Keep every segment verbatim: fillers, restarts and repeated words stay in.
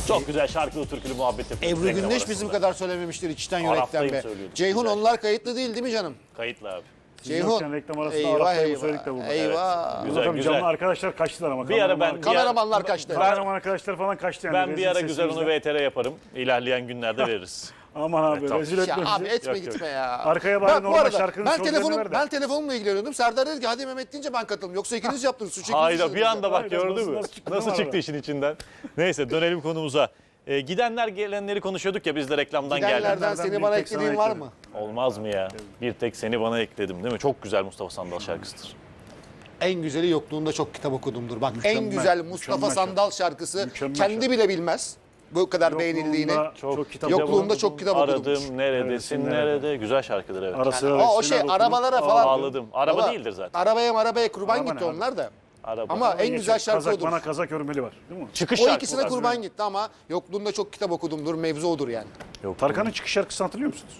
Çok güzel şarkılı türkülü muhabbet yapıyoruz. Ebru reklam Gündeş arasında. bizim kadar söylememiştir içten yürekten Araftayım be. söylüyorduk. Ceyhun Güzel. onlar kayıtlı değil değil mi canım? Kayıtlı abi. Ceyhun. Yokken reklam arasında Eyvah Araftayım'ı eyvah. söyledik de burada. Eyvah. Evet. Güzel, Güzel, tabii güzel. canlı arkadaşlar kaçtılar ama. Bir ara ben- kameraman- bir Kameramanlar kaçtı. Kameraman arkadaşlar falan kaçtı yani. Ben bir rezil ara güzel onu sesimizden. V T R yaparım. İlerleyen günlerde veririz. Aman abi tamam. rezil Ya etme abi bizi. etme Yok, yok. gitme ya. Arkaya bari Bak, bu normal arada şarkının ben sözlerini telefonum, ver de. ben telefonumla ilgileniyordum. Serdar dedi ki hadi Mehmet deyince ben katıldım. Yoksa ikiniz yaptınız. Suç ikiniz Hayda bir işlediniz. anda bak Hayda, gördün nasıl- mü? nasıl çıktı Nasıl değil mi çıktı arada? işin içinden? Neyse dönelim konumuza. Ee, gidenler gelenleri konuşuyorduk ya biz de reklamdan geldik. Gidenlerden Gidenlerden seni bir bana tek sana eklediğin var ekledim. mı? Olmaz mı ya? Bir tek seni bana ekledim değil mi? Çok güzel Mustafa Sandal şarkısıdır. En güzeli yokluğunda çok kitap okudumdur. Bak Mükemmel, en güzel Mustafa mükemmel Sandal şarkısı Mükemmel kendi şarkı. bile bilmez. Bu kadar beğenildiğini. Yokluğunda çok, kitap Yokluğunda okudum. çok kitap okudum. Aradım neredesin Neredesin, nerede? nerede? Güzel şarkıdır evet. Ara sıra Yani o, o resimler şey okudum. arabalara falan. Ağladım. Araba Baba, değildir zaten. Arabaya marabaya kurban Araba gitti ne abi? onlar da. Araba. Ama en Geçen güzel şarkı kazak, odur. Bana kazak örmeli var değil mi? Çıkış O şarkısı. ikisine kurban gitti ama yokluğunda çok kitap okudumdur. Mevzu odur yani. Yok. Tarkan'ın çıkış şarkısını hatırlıyor musunuz?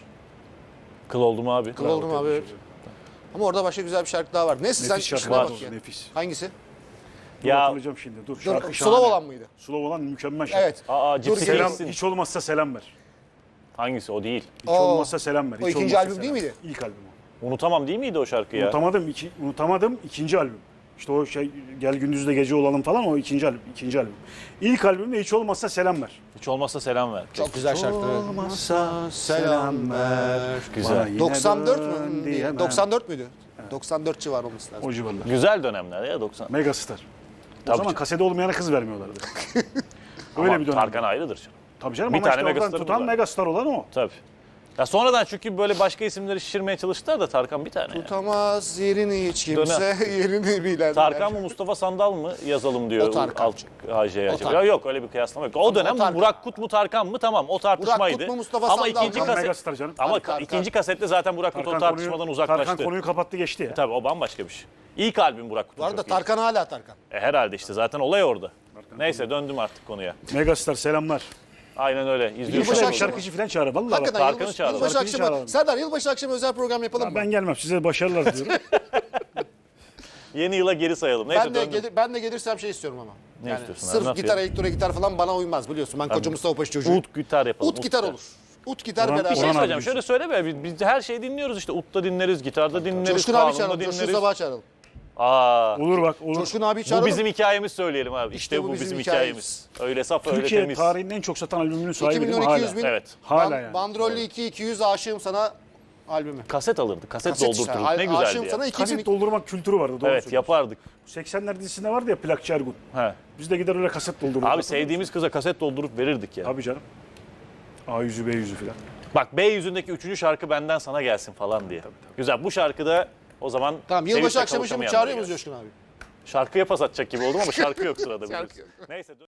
Kıl oldum abi. Kıl oldum abi. Evet. Ama orada başka güzel bir şarkı daha var. Neyse sen Nefis şarkı işine var. bak ya. Nefis. Hangisi? Ya Hatırlayacağım şimdi. Dur. Dur, Şarkı Slav şahane. olan mıydı? Slav olan mükemmel şarkı. Evet. aa Dur, Cipsi Selam, King'sin. hiç olmazsa selam ver. Hangisi o değil. Hiç O- olmazsa selam ver. Hiç o ikinci olmazsa albüm selam değil ver. miydi? İlk albüm o. Unutamam değil miydi o şarkı ya? Unutamadım, iki, unutamadım ikinci albüm. İşte o şey Gel Gündüz'de Gece Olalım falan o ikinci albüm. ikinci albüm. İlk albümde hiç olmazsa selam ver. Hiç olmazsa selam ver. Çok güzel şarkı. Olmazsa Selam ver. Güzel. Bana yine doksan dört dön mü? diyemem. doksan dört müydü? doksan dört civarı olması lazım. O civarlar. Güzel dönemler ya doksan. Megastar. O Tabii zaman canım. kasede olmayana kız vermiyorlardı. Öyle Ama bir dönem. Tarkan ayrıdır canım. Tabii canım Bir ama tane işte oradan megastarımız tutan var. megastar olan o. Tabii. Ya sonradan çünkü böyle başka isimleri şişirmeye çalıştılar da Tarkan bir tane. Yani. Tutamaz yerini hiç kimse yerini bilen. Tarkan mı Mustafa Sandal mı yazalım diyor. O Tarkan. Alt H J'ye O acaba. Tarkan. Ya yok öyle bir kıyaslama yok. O dönem o Tarkan. Burak Kut mu Tarkan mı tamam o tartışmaydı. Kut mu, Mustafa Ama Sandal ikinci mı? kaset Megastar canım. ama Tarkan, Tarkan. ikinci kasette zaten Burak Kut o Tarkan tartışmadan konuyu, uzaklaştı. Tarkan konuyu kapattı geçti ya. Tabii o bambaşka bir şey. İlk albüm Burak Kut'un Bu arada çok iyi. Tarkan hala Tarkan. E, herhalde işte zaten olay orada. Neyse döndüm artık konuya. Megastar selamlar. Aynen öyle. İzliyoruz. Yılbaşı Şöyle bir akşamı. şarkıcı falan çağır. Vallahi Hakikaten bak. Tarkan'ı yılbaşı, çağıralım. yılbaşı Tarkan'ı akşamı. çağıralım. Serdar yılbaşı akşamı özel program yapalım mı? Ben gelmem. Size başarılar diliyorum. Yeni yıla geri sayalım. Neyse Ben de, döndüm. gelir, ben de gelirsem şey istiyorum ama. Ne yani istiyorsun abi, sırf ne gitar, yapayım? elektro gitar falan bana uymaz biliyorsun. Ben koca Mustafa Paşa çocuğuyum. Ut gitar yapalım. Ut gitar olur. Ut gitar Orhan- beraber. Bir şey Orhan söyleyeceğim. abi Şöyle söyle be. Biz, biz her şeyi dinliyoruz işte. Ut'ta dinleriz, gitarda dinleriz, Coşkun abi kanunda çağıralım. Coşkun dinleriz. Sabah'ı çağıralım. Aa, Olur bak olur. Coşkun abi bu çağıralım. bizim hikayemiz söyleyelim abi. İşte, İşte bu, bu bizim, bizim hikayemiz. Öyle saf, öyle Türkiye temiz. tarihinin en çok satan albümünün sahibi iki değil milyon mi? iki Hala. yüz bin. Evet. Hala Ban- yani. Bandrollü iki iki yüz aşığım sana albümü. Kaset alırdık. Kaset, Kaset işte. doldurturduk. Ne Aşığım güzeldi sana ya. iki Kaset bin. doldurmak kültürü vardı. Doğru Evet söylüyorsun. yapardık. seksenler dizisinde vardı ya Plakçı Ergun. He. Biz de gider öyle kaset doldururduk. Abi sevdiğimiz kıza kaset doldurup verirdik ya. Tabii canım. A yüzü B yüzü falan. Bak B yüzündeki üçüncü şarkı benden sana gelsin falan diye. Güzel. Bu şarkıda o zaman Tamam sevinçle yılbaşı akşamı şimdi kavuşamayanlara çağırıyor muyuz gelsin. Coşkun abi? Şarkıya pas atacak gibi oldum ama şarkı yok sırada. Şarkı biliyorsun. yok. Neyse.